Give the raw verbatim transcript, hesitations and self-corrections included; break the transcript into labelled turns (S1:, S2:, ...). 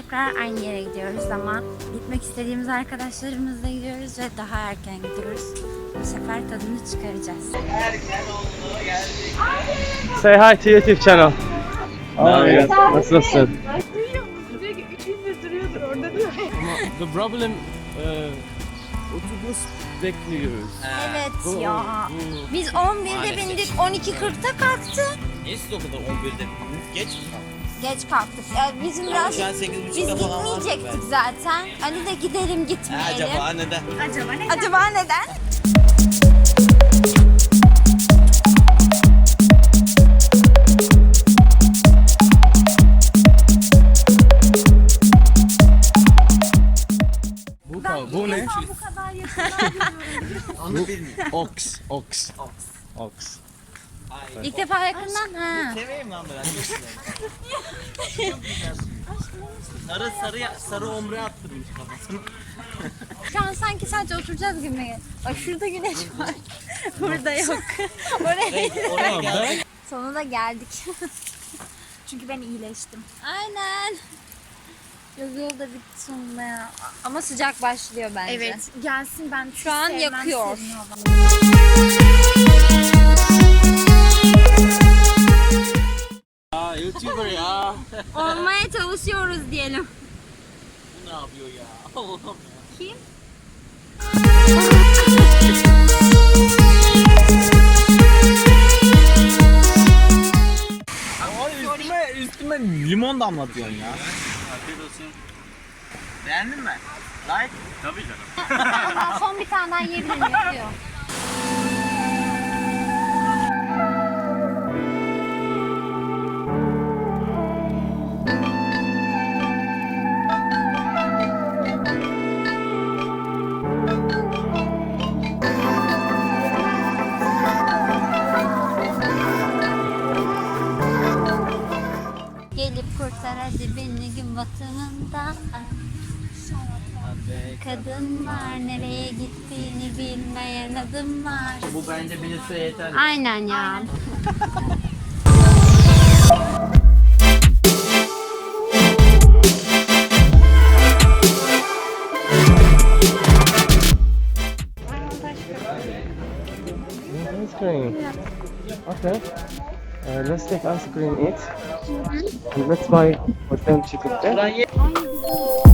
S1: tekrar aynı yere gidiyoruz ama gitmek istediğimiz arkadaşlarımızla gidiyoruz ve daha erken gidiyoruz. Bu sefer tadını çıkaracağız.
S2: Say hi to YouTube channel. Oh, nasılsın?
S3: Duyuyor musun? Diyor ki üç gündür duruyordur orada diyor.
S2: The problem, uh, otobüs bekliyoruz.
S1: Evet ya. Biz on birde bindik, on iki kırkta kalktı.
S4: Niye siz o kadar on birde? Geç mi?
S1: Geç kalktık. Yani bizim biraz
S4: Şu an sekiz
S1: biz
S4: buçukta falan var.
S1: gitmeyecektik zaten. Ali de gidelim gitmeyelim.
S4: Acaba neden?
S3: Acaba ne?
S1: Acaba neden?
S2: Bu, bu ne?
S3: Bu kadar yakından
S4: Onu bilmiyorum.
S2: Ox, ox,
S4: Ox.
S2: ox.
S4: Ay.
S1: İlk defa yakından ha.
S4: Seveyim lan ben. sarı sarı sarı omre attırmış kafasını.
S1: Şu an sanki sadece oturacağız gibi. Bak şurada güneş var. Burada yok. Oraya
S4: Oraya geldik.
S1: sonunda geldik.
S3: Çünkü ben iyileştim.
S1: Aynen. Yol yolda bitti sonunda ya. Ama sıcak başlıyor bence.
S3: Evet gelsin ben
S1: Şu an
S3: sevmem
S1: yakıyor.
S3: serin hava.
S4: Aa YouTuber ya.
S1: Olmaya çalışıyoruz diyelim.
S4: Bu ne yapıyor ya? Allah'ım ya.
S1: Kim?
S4: Ay üstüme üstüme limon damlatıyorsun ya. Afiyet olsun. Beğendin mi? Like? Tabii canım.
S1: Ben son bir tane daha yiyebilir miyim? Diyor. Gelip kurtar hadi beni gün batımından. Kadınlar nereye gittiğini bilmeyen adımlar.
S4: Bu bence bilirse yeter.
S1: Aynen ya.
S2: Ice cream. Okay. Uh, let's take ice cream, eat. And let's buy for them chicken.
S4: Ulan ye-
S1: Ay,